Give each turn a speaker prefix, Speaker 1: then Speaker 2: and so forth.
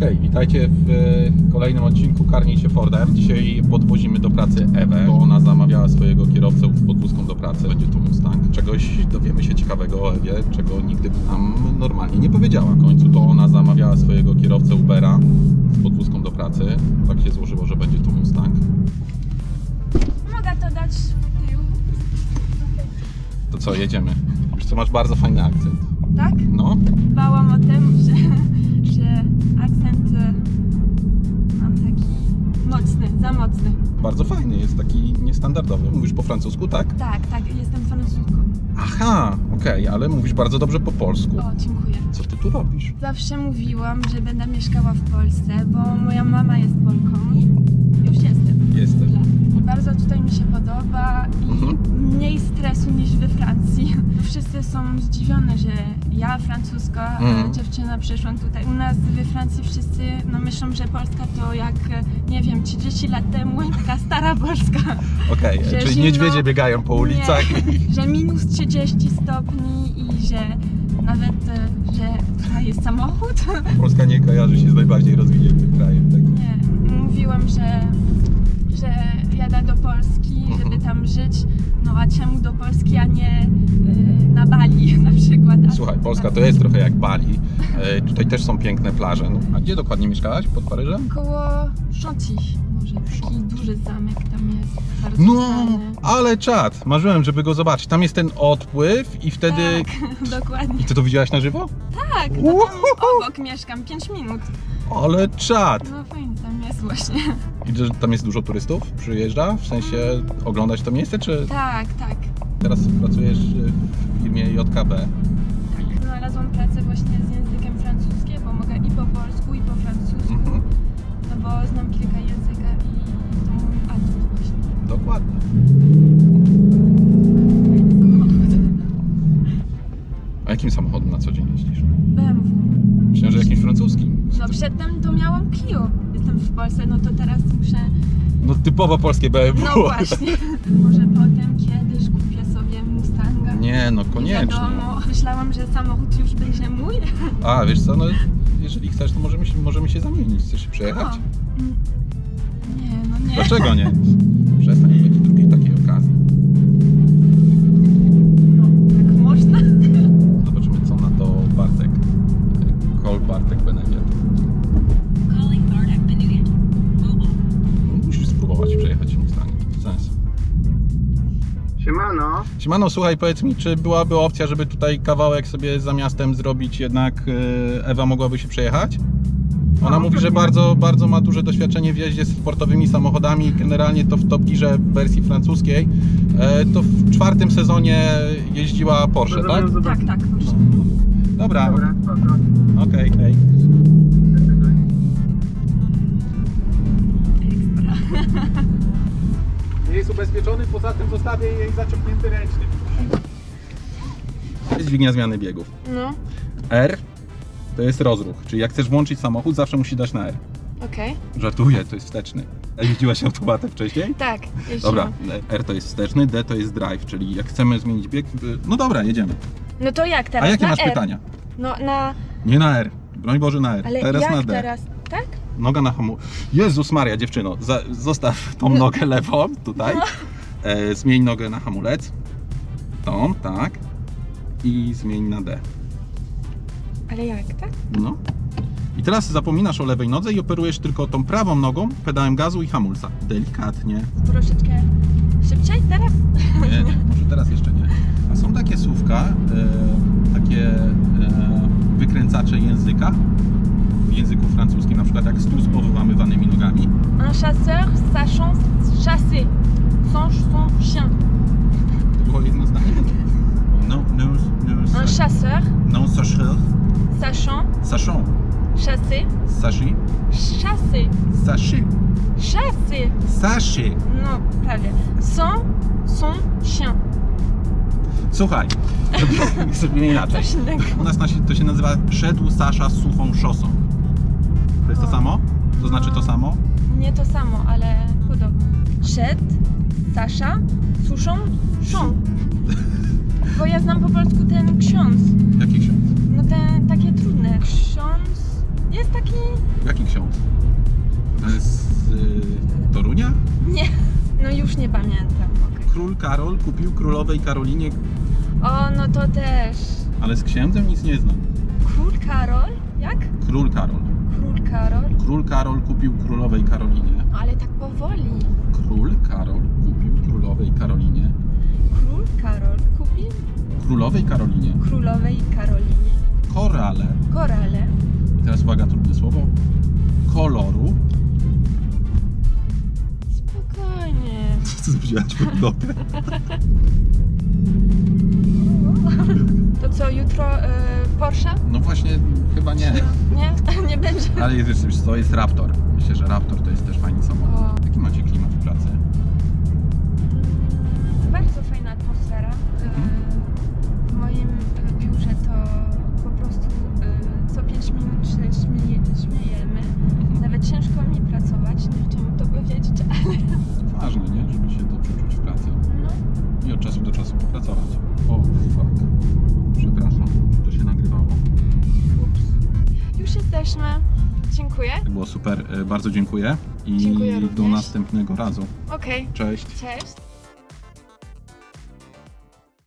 Speaker 1: Okej, witajcie w kolejnym odcinku Karnij się Fordem. Dzisiaj podwozimy do pracy Ewę, bo ona zamawiała swojego kierowcę z podwózką do pracy. Będzie to Mustang. Czegoś dowiemy się ciekawego o Ewie, czego nigdy nam normalnie nie powiedziała. W końcu to ona zamawiała swojego kierowcę Ubera z podwózką do pracy. Tak się złożyło, że będzie to Mustang.
Speaker 2: Mogę to dać w tył.
Speaker 1: To co, jedziemy? Wiesz co, masz bardzo fajny akcent.
Speaker 2: Tak?
Speaker 1: No,
Speaker 2: Bałam o tym, że akcent mam taki mocny, za mocny.
Speaker 1: bardzo fajny, jest taki niestandardowy. Mówisz po francusku, tak?
Speaker 2: Tak, jestem francuską.
Speaker 1: Aha, okej, ale mówisz bardzo dobrze po polsku.
Speaker 2: O, dziękuję.
Speaker 1: Co ty tu robisz?
Speaker 2: Zawsze mówiłam, że będę mieszkała w Polsce, bo moja mama jest Polką i już jestem.
Speaker 1: Jesteś.
Speaker 2: I bardzo tutaj mi się podoba i mniej stresu niż we Francji. Wszyscy są zdziwione, że ja, francuska dziewczyna, przyszłam tutaj. U nas we Francji wszyscy myślą, że Polska to jak, nie wiem, 30 lat temu, taka stara Polska.
Speaker 1: Okej,
Speaker 2: Że
Speaker 1: czyli
Speaker 2: zimno-
Speaker 1: niedźwiedzie biegają po ulicach.
Speaker 2: Nie, że minus 30 stopni i że nawet, że tutaj jest samochód.
Speaker 1: Polska nie kojarzy się z najbardziej rozwiniętym krajem. Tak?
Speaker 2: Nie, mówiłam, że jadę do Polski, żeby tam żyć. No a czemu do Polski, a nie na Bali na przykład?
Speaker 1: Słuchaj, Polska to jest trochę jak Bali. Tutaj też są piękne plaże. No, a gdzie dokładnie mieszkałaś? Pod Paryżem?
Speaker 2: Koło Chantilly, może taki duży zamek tam jest. Bardzo
Speaker 1: No,
Speaker 2: znany.
Speaker 1: ale czad. Marzyłem, żeby go zobaczyć. Tam jest ten odpływ i wtedy...
Speaker 2: Tak, dokładnie.
Speaker 1: I ty to widziałaś na żywo?
Speaker 2: Tak, no tam obok mieszkam 5 minut.
Speaker 1: Ale czad.
Speaker 2: No fajnie tam jest właśnie.
Speaker 1: I że tam jest dużo turystów? Przyjeżdża? W sensie oglądać to miejsce, czy
Speaker 2: Tak.
Speaker 1: teraz pracujesz w firmie JKB?
Speaker 2: Znalazłam pracę właśnie z językiem francuskim, bo mogę i po polsku, i po francusku. No bo znam kilka języka i to mój atut właśnie.
Speaker 1: Dokładnie. A jakim samochodem na co dzień jeździsz?
Speaker 2: BMW.
Speaker 1: Myślę, że jakimś francuskim.
Speaker 2: No przedtem to miałam Clio. Jestem w Polsce, no to teraz muszę...
Speaker 1: No typowo polskie BMW.
Speaker 2: No właśnie. Może potem kiedyś kupię sobie Mustanga.
Speaker 1: Nie, no
Speaker 2: Nie
Speaker 1: koniecznie.
Speaker 2: wiadomo. Myślałam, że samochód już będzie mój.
Speaker 1: A, wiesz co, no jeżeli chcesz, to możemy się zamienić. Chcesz się przejechać?
Speaker 2: O. Nie, no nie.
Speaker 1: Dlaczego nie? Przestań, nie będzie drugiej takiej okazji.
Speaker 2: No, jak można?
Speaker 1: Zobaczymy, co na to Bartek. Call Bartek Beneviat.
Speaker 3: Calling Bartek Beneviat. Mobile.
Speaker 1: Musisz spróbować przejechać Mustangiem. Sens.
Speaker 4: Siemano.
Speaker 1: Siemano, słuchaj, powiedz mi, czy byłaby opcja, żeby tutaj kawałek sobie za miastem zrobić, jednak Ewa mogłaby się przejechać? Ona mówi, że bardzo ma duże doświadczenie w jeździe z sportowymi samochodami. Generalnie to w Top Gearze w wersji francuskiej. To w 4. sezonie jeździła Porsche, tak?
Speaker 2: Tak, proszę.
Speaker 1: Dobra,
Speaker 4: Dobra, spoko.
Speaker 1: okej. Hej.
Speaker 2: Ekstra.
Speaker 1: Nie jest ubezpieczony, poza tym zostawię jej zaciągnięty ręczny. Jest dźwignia zmiany biegów.
Speaker 2: No,
Speaker 1: R to jest rozruch, czyli jak chcesz włączyć samochód, zawsze musisz dać na R.
Speaker 2: okej.
Speaker 1: Żartuję, to jest wsteczny. Jeździłaś automatem wcześniej?
Speaker 2: Tak, jeździłam.
Speaker 1: Dobra, R to jest wsteczny, D to jest drive, czyli jak chcemy zmienić bieg, no dobra, jedziemy.
Speaker 2: No to jak teraz?
Speaker 1: A jakie
Speaker 2: na
Speaker 1: masz
Speaker 2: R?
Speaker 1: pytania?
Speaker 2: No na...
Speaker 1: Nie na R, broń Boże na R,
Speaker 2: Ale
Speaker 1: teraz
Speaker 2: jak
Speaker 1: na D.
Speaker 2: teraz? Tak?
Speaker 1: Noga na hamulec. Jezus Maria, dziewczyno, zostaw tą nogę lewą tutaj. Zmień nogę na hamulec. Tą, tak. I zmień na D.
Speaker 2: Ale jak, tak?
Speaker 1: No. I teraz zapominasz o lewej nodze i operujesz tylko tą prawą nogą, pedałem gazu i hamulca. Delikatnie.
Speaker 2: Troszeczkę szybciej teraz?
Speaker 1: Nie, może teraz jeszcze nie. A są takie słówka, takie wykręcacze języka w języku francuskim, na przykład jak stół z powywamywanymi nogami.
Speaker 2: Un chasseur sachant chasser. Sans son chien.
Speaker 1: To było jedno zdanie?
Speaker 2: Un chasseur
Speaker 1: Non, sacheur.
Speaker 2: sachant
Speaker 1: Sachant.
Speaker 2: chasser.
Speaker 1: Sachi.
Speaker 2: Chasser.
Speaker 1: Sachi.
Speaker 2: Chasser.
Speaker 1: Sachi.
Speaker 2: No, prawie. Sans son chien.
Speaker 1: Słuchaj, zrobimy inaczej.
Speaker 2: Coś innego.
Speaker 1: U nas to się nazywa szedł Sasza z suchą szosą. To jest to samo? To znaczy to samo?
Speaker 2: Nie to samo, ale podobno. Szedł Sasza suszą szą. Bo ja znam po polsku ten ksiądz.
Speaker 1: Jaki ksiądz?
Speaker 2: No te takie trudne. Ksiądz jest taki
Speaker 1: Jaki ksiądz? To jest z Torunia?
Speaker 2: Nie, no już nie pamiętam. Okej.
Speaker 1: Król Karol kupił królowej Karolinie,
Speaker 2: O, no to też.
Speaker 1: ale z księdzem nic nie znam.
Speaker 2: Król Karol? Jak?
Speaker 1: Król Karol.
Speaker 2: Król Karol?
Speaker 1: Król Karol kupił królowej Karolinie.
Speaker 2: Ale tak powoli.
Speaker 1: Król Karol kupił królowej Karolinie.
Speaker 2: Król Karol kupił
Speaker 1: Królowej Karolinie.
Speaker 2: królowej Karolinie
Speaker 1: Korale.
Speaker 2: korale.
Speaker 1: I teraz uwaga, trudne słowo. Koloru.
Speaker 2: Spokojnie.
Speaker 1: Co zbudziłaś pod notę?
Speaker 2: To co, jutro Porsche?
Speaker 1: No właśnie, chyba nie.
Speaker 2: Nie? Nie będzie.
Speaker 1: Ale jest jeszcze, wiesz co, jest Raptor. Myślę, że Raptor to jest też fajny samochód.
Speaker 2: O.
Speaker 1: Jaki macie klimat w pracy?
Speaker 2: Bardzo fajna atmosfera. W moim biurze to po prostu co 5 minut się śmiejemy. Nawet ciężko mi pracować, nie chciałam to powiedzieć, ale
Speaker 1: Ważne, nie? Żeby się dobrze czuć w pracy.
Speaker 2: no.
Speaker 1: I od czasu do czasu popracować. O, fuck. Przepraszam, że to się nagrywało.
Speaker 2: Ups. Już jesteśmy. Dziękuję.
Speaker 1: Było super, bardzo dziękuję. I
Speaker 2: Dziękuję
Speaker 1: do
Speaker 2: również.
Speaker 1: następnego razu.
Speaker 2: Okej.
Speaker 1: Cześć.
Speaker 2: Cześć.